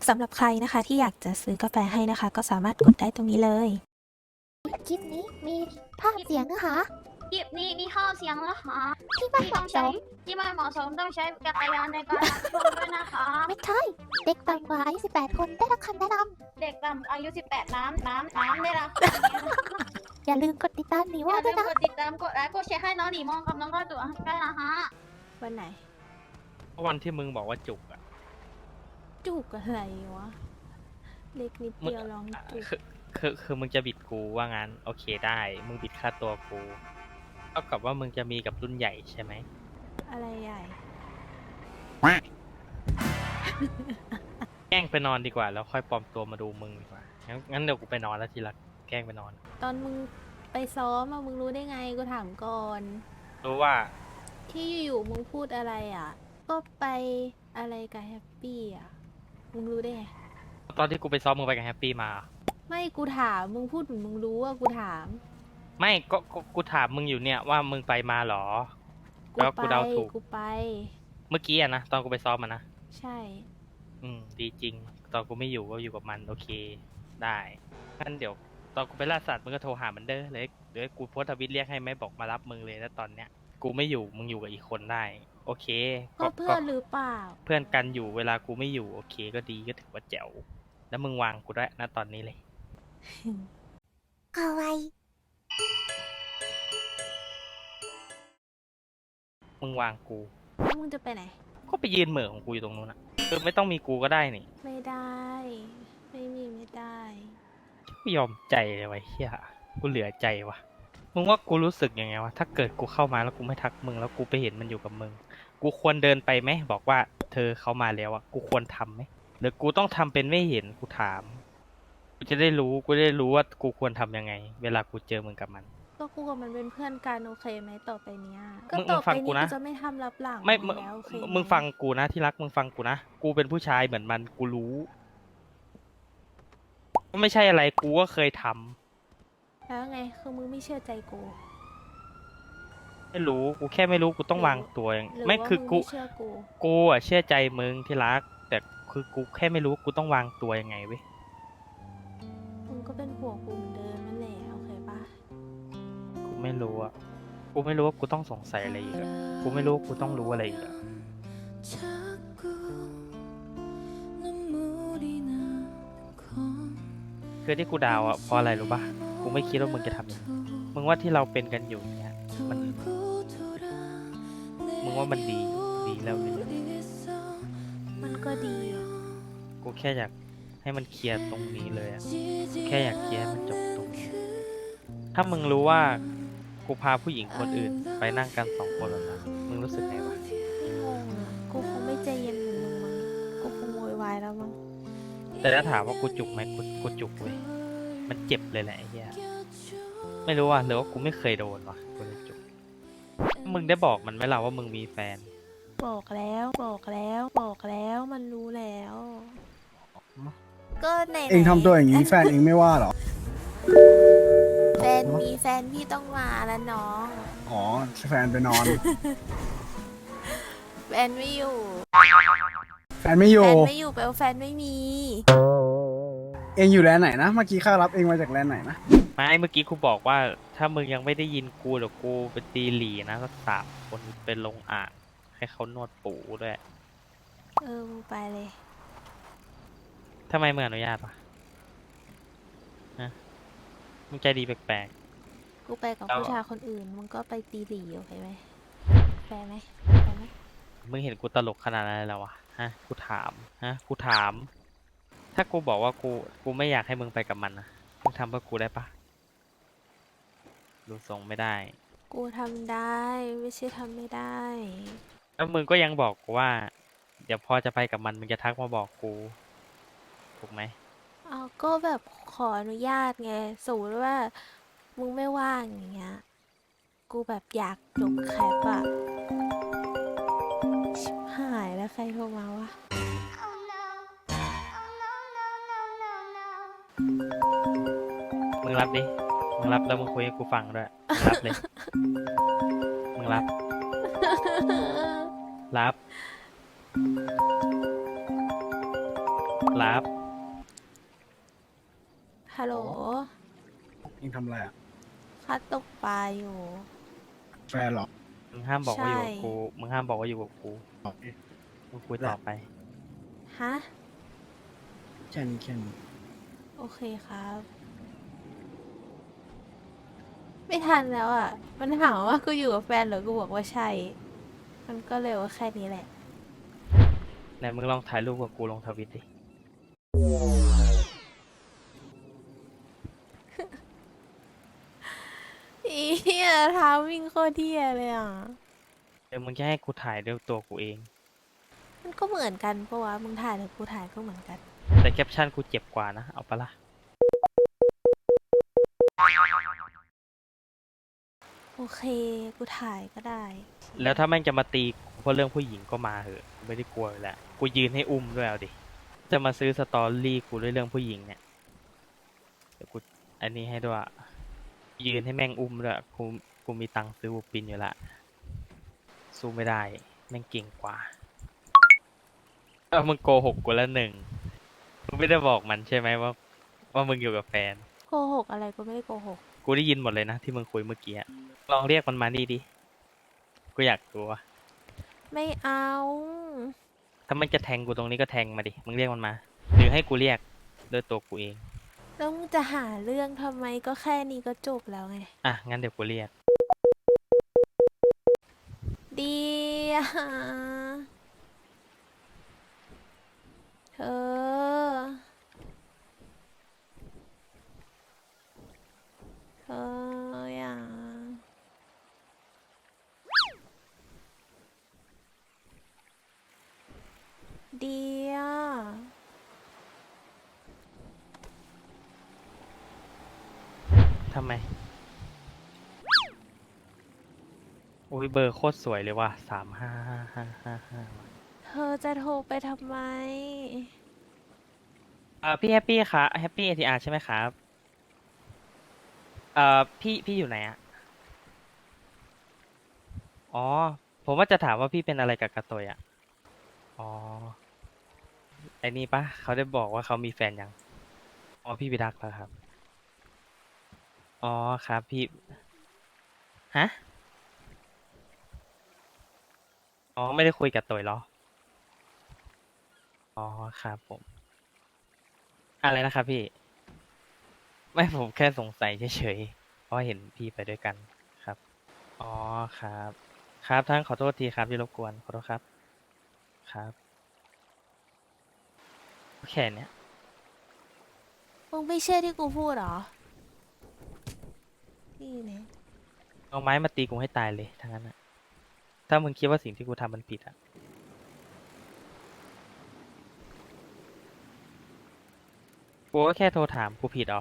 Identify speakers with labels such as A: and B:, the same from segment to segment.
A: สำหรับใครนะคะที่อยากจะซื้อกาแฟให้นะคะ ก็สามารถกดได้ตรงนี้เลย
B: คลิปนี้มีภาพเสียงนะคะ
C: คลิปนี้มีข้อเสียงนะคะ
B: ที่ไม่เหมาะสม
C: ที่ไม่เหมาะสมต้องใช้จักรยานในการรับชมด้วยนะคะ
B: ไม่ใช่ เด็กต่ำกว่าอายุ18 คนได้รับคำแนะน
C: เด็กต่ำอายุ 18 น้ำได้รับ
B: ำอย่าลืมกดติดตามหนี
C: อ
B: ว่า
C: ย่า
B: ด้
C: ลื
B: วย
C: ม
B: นะ
C: กดติดตามกดไลค์กดแชร์ให้น้องหนีมองกับน้องก้อยตัวได้นะคะ
A: วันไหน
D: วันที่มึงบอกว่าจุกอะ
A: จุกอะไรวะ เล็กนิดเดียวลองจุก
D: คือมึงจะบิดกูว่างั้นโอเคได้ มึงบิดค่าตัวกูเท่ากับว่ามึงจะมีกับรุ่นใหญ่ใช่ไหม
A: อะไรใหญ่
D: แกล้งไปนอนดีกว่าแล้วค่อยปลอมตัวมาดูมึงดีกว่างั้นเดี๋ยวกูไปนอนแล้วทีละแกล้งไปนอน
A: ตอนมึงไปซ้อมอะมึงรู้ได้ไงกูถามก่อน
D: รู้ว่า
A: ที่อยู่ๆมึงพูดอะไรอ่ะ ก็ไปอะไรกับแฮปปี้อ่ะ มึงรู้ได้ไง
D: ตอนที่กูไปซ้อมมึงไปกับแฮปปี้มา
A: ไม่กูถามมึงพูดเหมือนมึงรู้ว่ากูถาม
D: ไม่ก็กูถามมึงอยู่เนี่ยว่ามึงไปมาเหรอ แล้วกูเดาถูก
A: กูไป
D: เมื่อกี้อะนะตอนกูไปซ้อมมานะ
A: ใช่
D: ดีจริง ตอนกูไม่อยู่ก็อยู่กับมันโอเคได้งั้นเดี๋ยวตอนกูไปล่าสัตว์มึงก็โทรหามันเด้อเลยเดี๋ยวกูโพสต์ทวิตเรียกให้ไหมบอกมารับมึงเลยแล้วตอนเนี้ยกูไม่อยู่มึงอยู่กับอีกคนได้ โอเค
A: ก็เพื่อนหรือเปล่า
D: เพื่อนกันอยู่เวลากูไม่อยู่โอเคก็ดีก็ถือว่าแจ๋วแล้วมึงวางกูด้วยนะตอนนี้เลย
B: เอาไว้
D: มึงวางกู
A: แล้วมึงจะไปไหน
D: ก็ไปยืนเหม่อของกูอยู่ตรงนู้นอะคือไม่ต้องมีกูก็ได้นี่
A: ไม่ได้ ไม่ได้
D: กูยอมใจเลยไว้เฮียกูเหลือใจวะมึงว่ากูรู้สึกยังไงวะถ้าเกิดกูเข้ามาแล้วกูไม่ทักมึงแล้วกูไปเห็นมันอยู่กับมึงกูควรเดินไปไหมบอกว่าเธอเข้ามาแล้วอะกูควรทำไหมหรือกูต้องทำเป็นไม่เห็นกูถามกูจะได้รู้ว่ากูควรทำยังไง เวลากูเจอมึงกับมัน
A: ก็กูกับมันเป็นเพื่อนกันโอเคไหมต่อไปเนี้ย
D: มึง
A: ต่อ
D: ฟั
A: ไป
D: งกู
A: นี้
D: นะ
A: กูจะไม่ทำรับหลัง
D: ไม่
A: มึงแล้วโอเคไห
D: มึงฟังกูนะที่รักมึงฟังกูนะกูเป็นผู้ชายเหมือนมันกูรู้ไม่ใช่อะไรกูก็เคยทำ
A: แล้วไงคือมึงไม่เชื่อใจกู
D: ไม่รู้กูแค่ไม่รู้กูต้องวางตัวอย่าง
A: หรือ
D: ไม่
A: ว่า
D: คือ
A: มึง
D: กู
A: ไม่เชื่อกู
D: กูอ่ะเชื่อใจมึงที่รัก แต่คือกูแค่ไม่รู้กูต้องวางตัวยังไงเว้ย
A: มึงก็เป็นห่วงกูเหมือนเดิมนั่นแหละโอเคปะ
D: กูไม่รู้อ่ะกูไม่รู้ว่ากูต้องสงสัยอะไรอีกอะกูไม่รู้ว่ากูต้องรู้อะไรอีกอะคือที่กูดาวอ่ะเพราะอะไรรู้ป่ะกูไม่คิดว่ามึงจะทำอย่างนี้มึงว่าที่เราเป็นกันอยู่เนี่ยมันมึงว่ามันดีแล้วหรือยัง
A: มันก็ดี
D: กูแค่อยากให้มันเคลียร์ตรงนี้เลยอะแค่อยากเคลียร์ให้มันจบตรงนี้ ถ้ามึงรู้ว่ากูพาผู้หญิงคนอื่นไปนั่งกันสองคนแล้วนะมึงรู้สึกไงวะ
A: ไม่งงอะกูคงไม่ใจเย็นเหมือนมึงมั้งกูคงโวยวายแล้วมั้ง
D: แต่ถ้าถามว่ากูจุกไหมกูจุกเว้ยมันเจ็บเลยแหละไอ้เหี้ยไม่รู้อ่ะหรือว่ากูไม่เคยโดนวะกูเลยจุกมึงได้บอกมันไหมล่ะว่ามึงมีแฟน
A: บอกแล้วมันรู้แล้ว ก็ไหนๆ
E: เองทำตัวอย่างนี้แฟนเองไม่ว่าหรอ
A: แฟนมีแฟนพี่ต้องมาแล้วน้อง
E: อ๋อแฟนไปนอน
A: แฟนไม่อยู่
E: แฟนไม่อ
A: แฟ
E: ยู่
A: นไม่อยู่แปลว่าแฟนไม่มี
E: เองอยู่แลนด์ไหนนะ เมื่อกี้ข้ารับเองมาจากแลนด์ไหนนะ
D: ไม่เมื่อกี้กูบอกว่า ถ้ามึงยังไม่ได้ยินกูเดี๋ยวกูไปตีหลีนะสัก3 คนเป็นลงอ่างให้เขานวดปูด้วย
A: มึงไปเลย
D: ทำไมมึงอนุญาตวะฮะมึงใจดีแปลก
A: กูไปกับ
D: เอา
A: ผู้ชายคนอื่น มึงก็ไปตีหลีโอเคไหมแฟร์ไหม
D: ๆมึงเห็นกูตลกขนาดนั้นเลยเหรอวะฮะกูถามกูถาม ถ้ากูบอกว่ากูไม่อยากให้มึงไปกับมันนะมึงทำเพื่อกูได้ปะดูทรงไม่ได้
A: กูทำได้ ไม่ใช่ทำไม่ได้
D: แล้วมึงก็ยังบอกกูว่า เดี๋ยวพอจะไปกับมันมึงจะทักมาบอกกู ถูกไหม
A: เอาก็แบบขออนุญาตไงสมมติว่ามึงไม่ว่างอย่างเงี้ย กูแบบอยากจบแคปอะชิบหายแล้วใครโทรมาวะ
D: มึงรับดิ มึงรับแล้วมึงคุยให้กูฟังด้วยมึงรับเลย มึงรับ รับรับ
A: ฮัลโหล
E: เองทำอะไรอ่ะ
A: ข้าตกปลาอยู่
E: แฟนเหรอ
D: มึงห้ามบอกว่าอยู่กับ
A: ใช่
D: กู มึงห้ามบอกว่าอยู่กับกู
E: โอเค
D: มึงคุยต่อไป
A: ฮะ
E: แค่นี้แค่นี้
A: โอเคครับ ไม่ทันแล้วอ่ะ มันถามว่ากูอยู่กับแฟนเหรอ กูบอกว่าใช่ มันก็เลยว่าแค่นี้แหละ
D: ไหนมึงลองถ่ายรูปกับกูลงทวิตดิ
A: อีเหี้ยเท้าวิ่งโคตรเที่ยเลยอ่ะ
D: เดี๋ยวมึงจะให้กูถ่ายด้วยตัวกูเอง
A: มันก็เหมือนกันปะวะ มึงถ่ายหรือกูถ่ายก็เหมือนกัน
D: แต่แคปชั่นกูเจ็บกว่านะ เอาปะล่ะ
A: โอเค กูถ่ายก็ได้
D: แล้วถ้าแม่งจะมาตีกูเพราะเรื่องผู้หญิงก็มาเหอะกูไม่ได้กลัวอยู่แล้วกูยืนให้อุ้มด้วยเอาดิ จะมาซื้อสตอรี่กูด้วยเรื่องผู้หญิงเนี่ย เดี๋ยวกูอันนี้ให้ด้วยยืนให้แม่งอุ้มด้วยกูมีตังค์ซื้อบุปปินอยู่ละ สู้ไม่ได้ แม่งเก่งกว่ามึงโกหกกูแล้วหนึ่ง มึงไม่ได้บอกมันใช่ไหมว่ามึงอยู่กับแฟน
A: โกหกอะไรกูไม่ได้โกหก
D: กูได้ยินหมดเลยนะที่มึงคุยเมื่อกี้อะลองเรียกมันมานี่ดิ กูอยากรู้ว่า
A: ไม่เอา
D: ถ้ามันจะแทงกูตรงนี้ก็แทงมาดิ มึงเรียกมันมา หรือให้กูเรียกด้วยตัวกูเอง
A: แล้วมึงจะหาเรื่องทำไมก็แค่นี้ก็จบแล้วไง
D: อ่ะ งั้นเดี๋ยวกูเรียก
A: ดีอะเธอ เธออย่าดีอะ
D: ทำไม โอ้ยเบอร์โคตรสวยเลยว่ะ355555
A: เธอจะโทรไปทำไม
D: พี่แฮปปี้ครับแฮปปี้ ATR ใช่ไหมครับพี่อยู่ไหนอะอ๋อ ผมว่าจะถามว่าพี่เป็นอะไรกับกระโตยอะอ๋อ ไอ้นี่ปะเขาได้บอกว่าเขามีแฟนยัง อ๋อ พี่ไปรักแล้วครับ อ๋อครับพี่ ฮะ อ๋อ ไม่ได้คุยกับโตยเหรอ อ๋อครับผม อะไรนะครับพี่ ไม่ผมแค่สงสัยเฉยๆ เพราะเห็นพี่ไปด้วยกันครับ อ๋อครับ ครับท่านขอโทษทีครับที่รบกวน ขอโทษครับ ครับแค่เนี้ย
A: มึงไม่เชื่อที่กูพูดเหรอ นี่เนี่ย
D: เอาไม้มาตีกูให้ตายเลยทั้งนั้นนะถ้ามึงคิดว่าสิ่งที่กูทำมันผิดอะกูก็แค่โทรถามกูผิดอ๋อ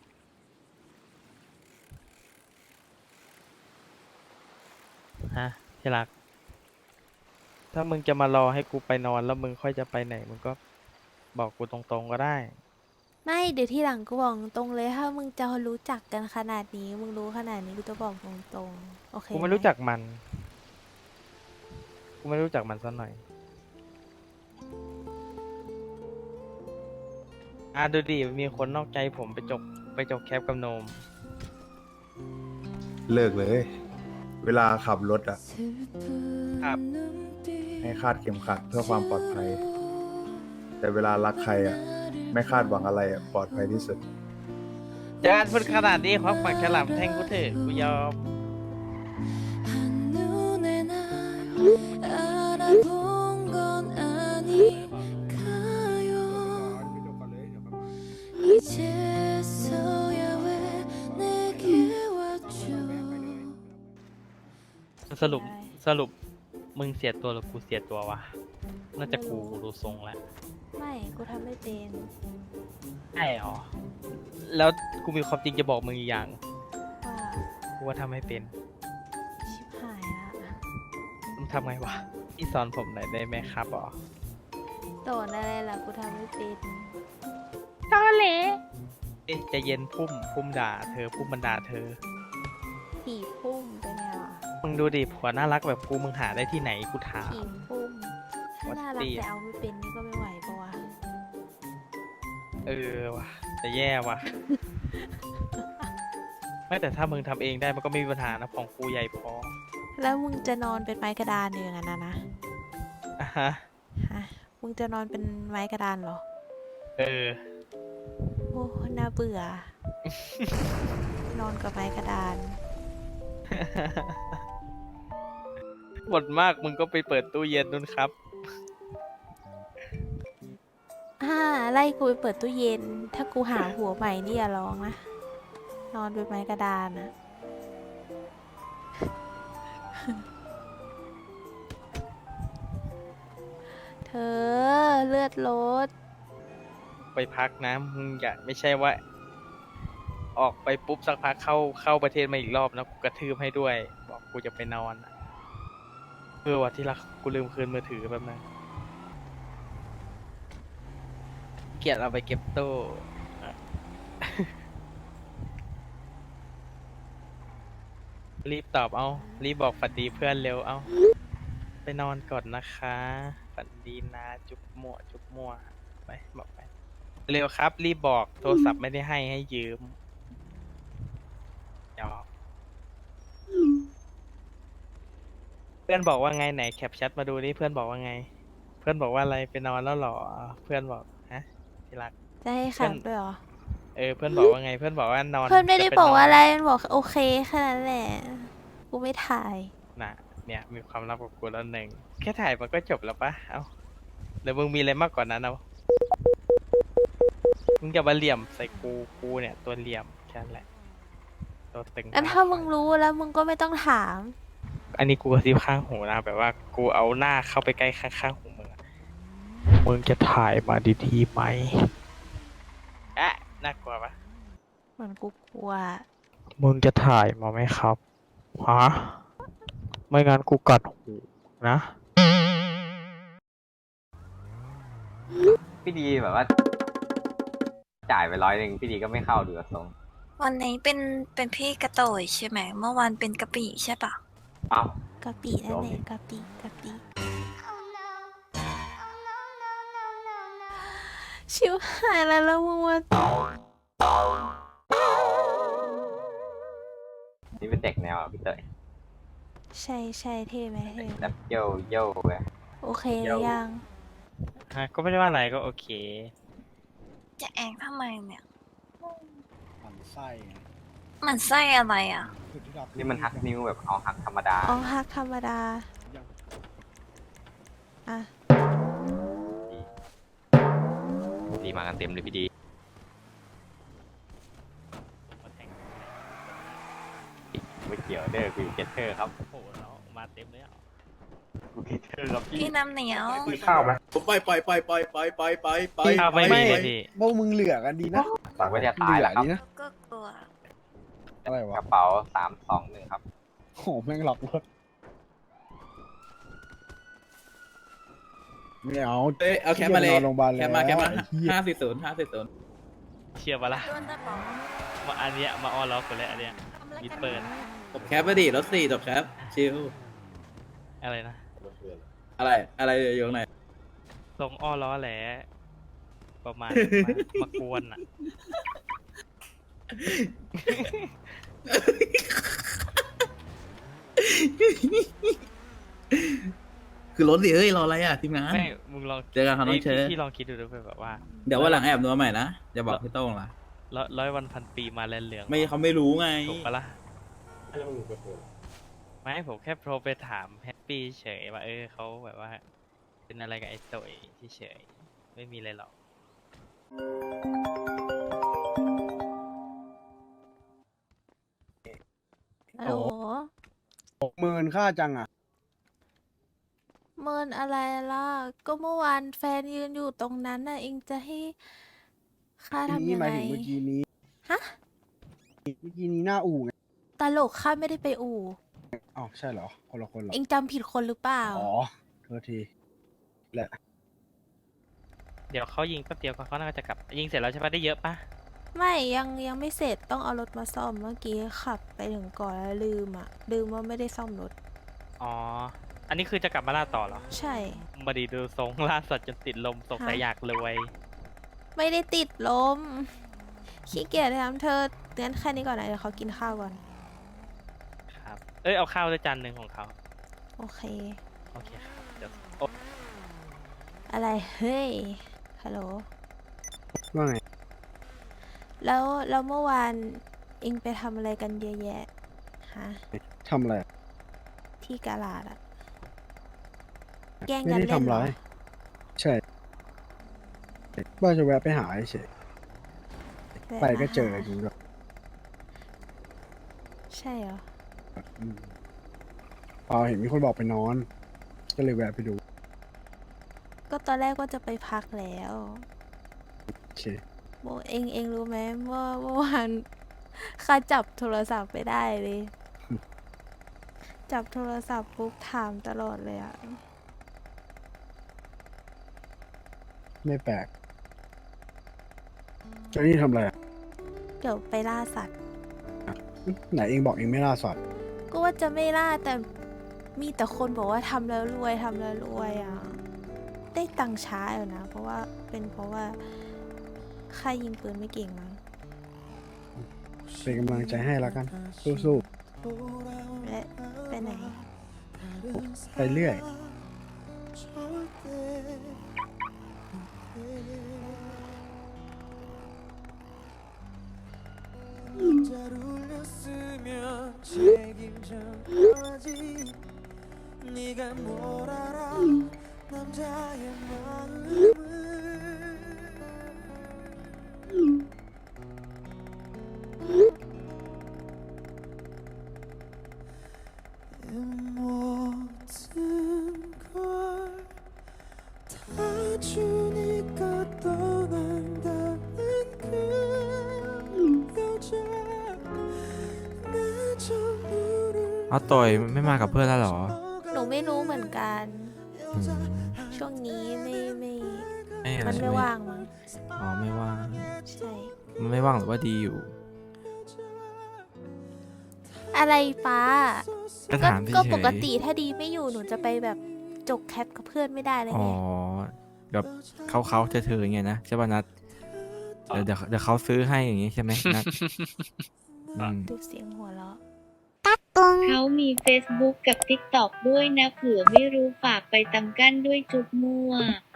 D: ฮะที่รัก ถ้ามึงจะมารอให้กูไปนอนแล้วมึงค่อยจะไปไหน มึงก็บอกกูตรงๆก็ได้
A: ไม่เดี๋ยวที่หลังกูบอกตรงเลยถ้ามึงจะรู้จักกันขนาดนี้ มึงรู้ขนาดนี้กูจะบอกตรงๆโอเค
D: กูไม่
A: ห
D: รู้จักมัน กูไม่รู้จักมันสักหน่อย ดูดิ มีคนนอกใจผมไปจกแคปกับโนม
F: เลิกเลย เวลาขับรถอ่ะ
D: ครับ
F: ให้คาดเข็มขัดเพื่อความปลอดภัย แต่เวลารักใครอ่ะ ไม่คาดหวังอะไรอ่ะ ปลอดภัยที่สุด
D: จานพูดขนาดนี้ควักปากฉลามแทงกูเถอะกูยอม สรุป มึงเสียตัวหรือกูเสียตัววะ น่าจะกูดูทรงแล้ว
A: ไม่กูทำไม่เป็น
D: ใช่หรอ แล้วกูมีความจริงจะบอกมึงอีกอย่าง
A: ว่า
D: กูว่าทำให้เป็น
A: ชิบหายละ
D: มึงทำไงวะ พี่สอนผมหน่อยได้ไหมครับอ๋อ
A: โดนอะไรล่ะกูทำไม่เป็น
D: ตอเละเอ๊ะใจะเย็นพุ่มด่าเธอพุ่มมันด่าเธอ
A: ผีพุ่มเป็นไงล่ะ
D: มึงดูดิผัวน่ารักแบบกูมึงหาได้ที่ไหนกูถาม
A: ผีพุ่มถ้า
D: What
A: น่ารัก
D: the-
A: แต่เอาไม่เป็นนี่ก็ไม่ไหวปะวะ
D: เออว่ะแต่แย่ว่ะ ไม่แต่ถ้ามึงทำเองได้มันก็ไม่มีปัญหานะของกูใหญ่พอ
A: แล้วมึงจะนอนเป็นไม้กระดานอยู่อย่างนั้นนะ
D: อ่ะฮะ
A: ฮะมึงจะนอนเป็นไม้กระดานเหรอ
D: เออ
A: โอ้น่าเบื่อ นอนกับไม้กระดาน
D: หมดมากมึงก็ไปเปิดตู้เย็นนู่นครับ
A: ไล่กูไปเปิดตู้เย็น ถ้ากูหาหัวใหม่นี่อย่าร้องนะ นอนเป็นไม้กระดานนะ เธอเลือดลด
D: ไปพักนะมึงอย่าไม่ใช่ว่า ออกไปปุ๊บสักพักเข้าประเทศมาอีกรอบนะกูกระทืบให้ด้วย บอกกูจะไปนอนอะวันที่รักกูลืมคืนมือถือแบบนั้นเกลียดเอาไปเก็บตู้ รีบตอบเอารีบบอกฝันดีเพื่อนเร็วเอาไปนอนก่อนนะคะฝันดีนะจุ๊บมั่วจุ๊บมั่วไปบอกไป เร็วครับ รีบบอกโทรศัพท์ไม่ได้ให้ยืมหยอกเพื่อนบอกว่าไงไหนแคปแชทมาดูนี่เพื่อนบอกว่าไง เพื่อนบอกว่าอะไรไปนอนแล้วเหรอเพื่อนบอกฮะที่รัก
A: จะให้
D: เพื่
A: ขั
D: อน
A: บด้วยเหรอ
D: เพื่อนบอกว่าไง เพื่อนบอกว่านอน
A: เพื่อนไม่ได้
D: จป
A: บอก
D: นน
A: ว่าอะไรมันบอกโอเคแค่นั้นแหละ กูไม่ถ่าย
D: น่ะ เนี่ยมีความลับกับกูแล้วหนึ่งแค่ถ่ายมันก็จบแล้วปะเอ้าเดี๋ยวมึงมีอะไรมากกว่านั้นเอามึงอย่ามาเหลี่ยมใส่กูเนี่ยตัวเหลี่ยมแค่นั้นแหละตัวตึง
A: งั้นถ้ามึงรู้แล้วมึงก็ไม่ต้องถาม
D: อันนี้กูกระซิบข้างหูนะแบบว่ากูเอาหน้าเข้าไปใกล้ข้างๆหูมึงอะมึงจะถ่ายมาดีๆไหมอะน่ากลัวปะ
A: เหมือนกูกลัว
D: มึงจะถ่ายมาไหมครับฮะไม่งั้นกูกัดหูนะ
G: พี่ดีแบบว่า จ่ายไป100พี่ดีก็ไม่เข้าดูทรง
H: วันนี้เป็นพี่กระโตยใช่ไหม เมื่อวานเป็นกะปิใช่ปะ
G: เอ้าก
A: ะปินั่นแหละกะปิกะปิชิวหายแล้วมึงว่า
G: นี่เป็นเด็กแนวพี่เตย
A: ใช่ใช่เท่ไหมเท่
G: แบบโย่โย่เลย
A: โอเคหรือยัง
D: ฮะก็ไม่ได้ว่าอะไรก็โอเค
H: จะแองทำไมเนี่ย
E: มันไส้
H: มันไส้อะไรอ่ะ
G: นี่มันหักนิ้วแบบเอาหักธรรมดา
A: อ๋อฮักธรรมดา อ่ะ
G: ดีมากันเต็มเลยพี่ดี ไม่เกี่ยวเด้อกูอยู่เกตเตอร์ครับ
D: โอ้โหเรามาเต็มเลยอ่ะ
G: กูเกตเตอร์ครับพี่
H: พี่น้ำเหนียว
F: ข้าวไหม
E: ไป
D: ข้าวไม่มีเลยพี่
E: พวกมึงเหลือกันดีนะ
G: สั่งไว้จะตายแล้วครับ
E: เหลือดีนะ
H: ก็กลัว
E: อะไร
G: ก
E: วะ
G: ระเป๋า321ครับ
E: โหแม่งหลอกรถไม่เอา
I: เอ้ยเอาแคปมาเลย
E: นอนโรงพยาบาลแล้ว
I: แคปมา
E: ไอ้เหี้ย
I: 540
D: เชียร์ปะล่ะ
H: โดนตะป๋อง
D: มาอันเนี้ยมาออนล็อกกันเลยอันเนี้ย มิดเปิด
I: จบแคปไปดิรถ4จบแคปชิล
D: อะไรนะ
I: อะไรอยู่ข้างใน
D: ทรงอ้อล้อแหละประมาณ มากวนอ่ะ
I: คือรถดิเอ้ยรออะไรอ่ะทีมงาน
D: ไม่มึงลอง
I: เจอกันครับน้องเชฟ
D: พี่ลองคิดดูด้วยแบบว่า
I: เดี๋ยววันหลังแอบนัวใหม่นะอย่าบอกพี่โต้งล่ะ
D: ร้อยวันพันปีมาแลนเหลือง
I: ไม่เขาไม่รู้ไง
D: ถูกปะล่ะไม่ผมแค่โทรไปถามแฮปปี้เฉยว่าเขาแบบว่า เป็นอะไรกับไอ้โตยเฉยไม่มีอะไรหรอก
A: ฮัลโหล
E: 10,000ค่าจังอ่ะ
A: เมินอะไรล่ะ ก็เมื่อวานแฟนยืนอยู่ตรงนั้นน่ะ เองจะให้ข้าทำ
E: นี่
A: ยัง
E: หมา
A: ไง
E: ยถึงเมื่อกี้นี้
A: ฮะ
E: เมื่อกี้นี้หน้าอู่ไง
A: ตลกข้าไม่ได้ไปอู่
E: อ้าวใช่เหรอ คนละคนเหรอ
A: เองจำผิดคนหรือเปล่า
E: อ๋อโทษทีแหละ
D: เดี๋ยวเขายิงแป๊บเดียวเขาน่าจะกลับ ยิงเสร็จแล้วใช่ปะได้เยอะปะ
A: ไม่ยังไม่เสร็จต้องเอารถมาซ่อมเมื่อกี้ขับไปถึงก่อนแล้วลืมว่าไม่ได้ซ่อมรถ
D: อ๋อ อันนี้คือจะกลับมาล่าต่อเหรอ
A: ใช่
D: มาดีดูทรงล่าสัตว์จนติดลมสงสัย
A: ฮะ
D: อยากรวย
A: ไม่ได้ติดลม ขี้เกียจทำเธองั้นแค่นี้ก่อนนะเดี๋ยวเขากินข้าวก่อน
D: ครับ เอ้ยเอาข้าวด้วยจานหนึ่งของเขา
A: โอเค
D: โอเคครับเดี๋ยว
A: อะไร เฮ้ย ฮัลโหล
E: ว่าไง
A: แล้วเมื่อวานเองไปทำอะไรกันเยอะแยะ ฮะ
E: ทำอะไรอะ
A: ที่กาลาดอะแกล้ง
E: ไม่
A: กัน
E: ได้
A: เล่น
E: ทำ
A: เหร
E: ร้า
A: อ
E: ย ใช่ว่าจะแวะไปหาเฉย
A: แวะ
E: ไปก็
A: มา
E: เจอ
A: หา
E: จริงด้วย
A: ใช่เหรอ
E: อืมเปล่าเห็นมีคนบอกไปนอน ก็เลยแวะไปดู
A: ก็ตอนแรกก็จะไปพักแล้ว
E: โอเค
A: โมเองรู้ไหมว่าเมื่อวานข้าจับโทรศัพท์ไปได้เลย จับโทรศัพท์ปุ๊บถามตลอดเลยอะ
E: ไม่แปลกเจ้านี่ทำอะไรอะ
A: เดี๋ยวไปล่าสัตว์
E: ไหนเองบอกเองไม่ล่าสัตว์
A: ก็ว่าจะไม่ล่าแต่มีแต่คนบอกว่าทำแล้วรวยทำแล้วรวยอ่ะ ได้ตังค์ช้าอยู่นะ เพราะว่าข้ายิงปืนไม่เก่งมั้ง
E: เป็นกำลังใจให้แล้วกัน สู้
A: และไปไหน
E: ๆ ไปเรื่อย
J: เอาต่อยไม่มากับเพื่อนแล้วเหรอ
A: หนูไม่รู้เหมือนกัน
J: อืม
A: ช่วงนี้ไม่
J: อะไร
A: มันไม่ว่างมั้ง
J: อ๋อไม่ว่าง
A: ใช่
J: มันไม่ว่างหรือว่าดีอยู่
A: อะไรป้า
J: ก็ถามเฉยๆ
A: ก็ปกติถ้าดีไม่อยู่หนูจะไปแบบจกแคปกับเพื่อนไม่ได้เลย
J: อ๋อ
A: ไง
J: แบบเขาเธออย่างเงี้ยนะใช่ป่ะนัดเดี๋ยวเขาซื้อให้อย่างงี้ใช่ไหมนัดอืม
A: ดูเสียงหัวเราะ
C: เขามี Facebook กับ TikTok ด้วยนะเผื่อไม่รู้ฝากไปตำกั้นด้วยจุ๊บมั่ว